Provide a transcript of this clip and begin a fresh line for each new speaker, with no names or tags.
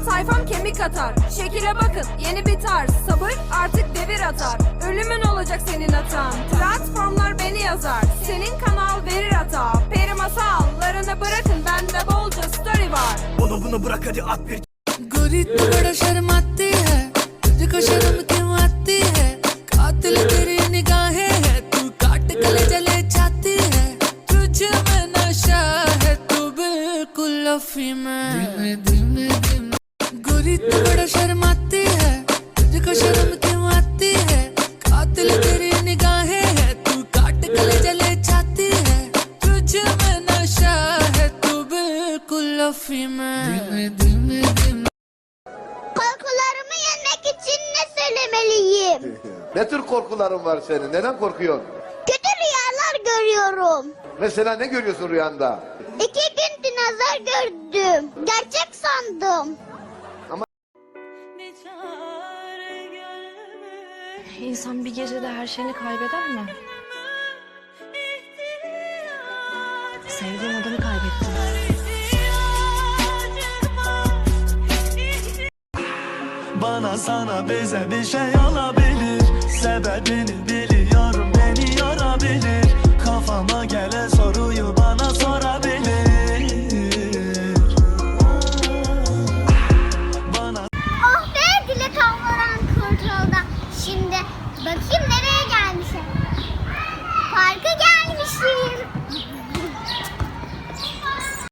sayfam kemik atar. Şekile bakın yeni bir tarz, sabır artık devir atar. Ölümün olacak senin hatan, platformlar beni yazar. Senin kanal verir hata, peri masallarını bırakın bende bolca story var.
Bunu bırak hadi at bir.
गोरी तू बड़ा शर्माती है, तुझको शर्म क्यों आती है? कातिल तेरी निगाहें है, तू काट गले जले जाती है। तुझ में नशा है, तू बिल्कुल अफीम है। धीमे धीमे गोरी तू बड़ा शर्माती है, तुझको शर्म क्यों आती है? कातिल तेरी निगाहें है, तू काट गले जले जाती है। तुझ में नशा है, तू बिल्कुल अफीम है। धीमे धीमे
Korkularımı yenmek için ne söylemeliyim?
Ne tür korkuların var senin? Neden korkuyorsun?
Kötü rüyalar görüyorum.
Mesela ne görüyorsun rüyanda?
2 gün dinozor gördüm. Gerçek sandım.
İnsan bir gecede her şeyini kaybeder mi? Sevdiğim adamı kaybettim.
Bana sana bize bir şey olabilir. Sebebini biliyorum, beni yorabilir. Kafama gelen